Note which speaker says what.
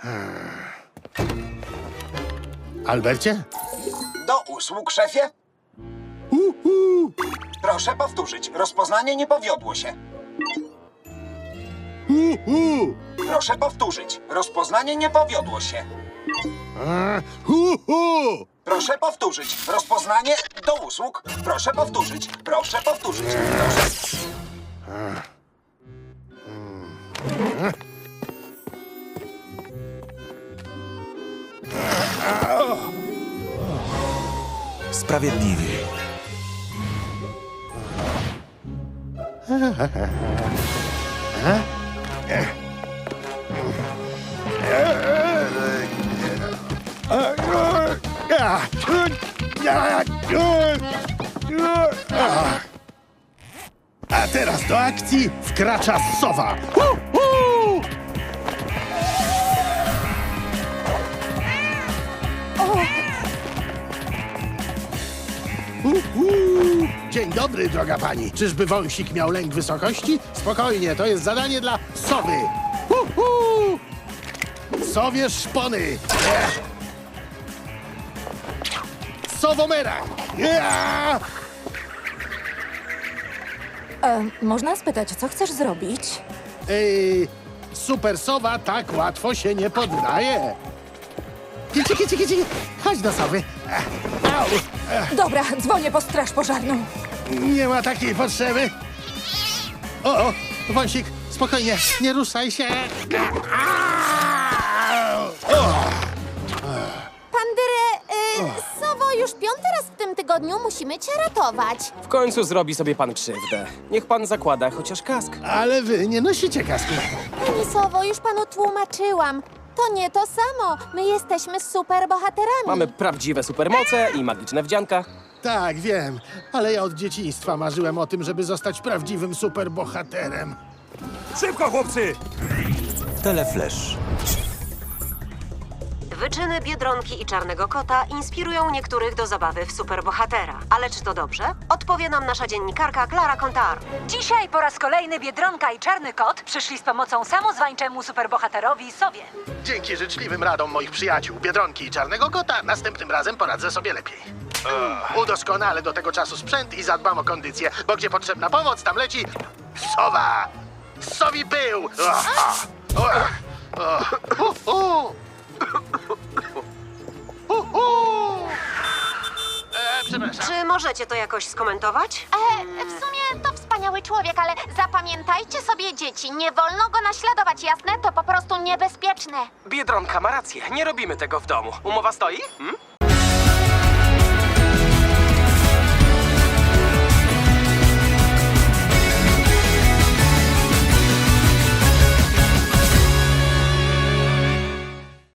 Speaker 1: Albercie?
Speaker 2: Do usług, szefie. Proszę powtórzyć. Rozpoznanie nie powiodło się. Proszę powtórzyć. Rozpoznanie nie powiodło się. Proszę powtórzyć. Rozpoznanie do usług. Proszę powtórzyć. Proszę powtórzyć. Proszę...
Speaker 3: Sprawiedliwi.
Speaker 1: A teraz do akcji wkracza sowa. Dzień dobry, droga pani. Czyżby wąsik miał lęk wysokości? Spokojnie, to jest zadanie dla sowy. Sowie szpony. Sowomera.
Speaker 4: Można spytać, co chcesz zrobić?
Speaker 1: Super sowa tak łatwo się nie poddaje. Kici, kici, kici. Chodź do sowy. Au.
Speaker 4: Dobra, dzwonię po straż pożarną.
Speaker 1: Nie ma takiej potrzeby. O, wąsik, spokojnie, nie ruszaj się.
Speaker 5: Pandyrę, Sowo, już 5. raz w tym tygodniu musimy cię ratować.
Speaker 6: W końcu zrobi sobie pan krzywdę. Niech pan zakłada chociaż kask.
Speaker 1: Ale wy nie nosicie kasku.
Speaker 5: Pani Sowo, już panu tłumaczyłam. To nie to samo. My jesteśmy superbohaterami.
Speaker 6: Mamy prawdziwe supermoce i magiczne wdzianka.
Speaker 1: Tak, wiem, ale ja od dzieciństwa marzyłem o tym, żeby zostać prawdziwym superbohaterem.
Speaker 3: Szybko, chłopcy! Teleflash.
Speaker 7: Wyczyny Biedronki i Czarnego Kota inspirują niektórych do zabawy w superbohatera. Ale czy to dobrze? Odpowie nam nasza dziennikarka Klara Kontar.
Speaker 8: Dzisiaj po raz kolejny Biedronka i Czarny Kot przyszli z pomocą samozwańczemu superbohaterowi Sowie.
Speaker 1: Dzięki życzliwym radom moich przyjaciół, Biedronki i Czarnego Kota, następnym razem poradzę sobie lepiej. Udoskonalę do tego czasu sprzęt i zadbam o kondycję, bo gdzie potrzebna pomoc, tam leci sowa! Sowi pył! Przepraszam.
Speaker 7: Czy możecie to jakoś skomentować?
Speaker 5: W sumie to wspaniały człowiek, ale zapamiętajcie sobie, dzieci, nie wolno go naśladować, jasne? To po prostu niebezpieczne.
Speaker 6: Biedronka ma rację, nie robimy tego w domu. Umowa stoi?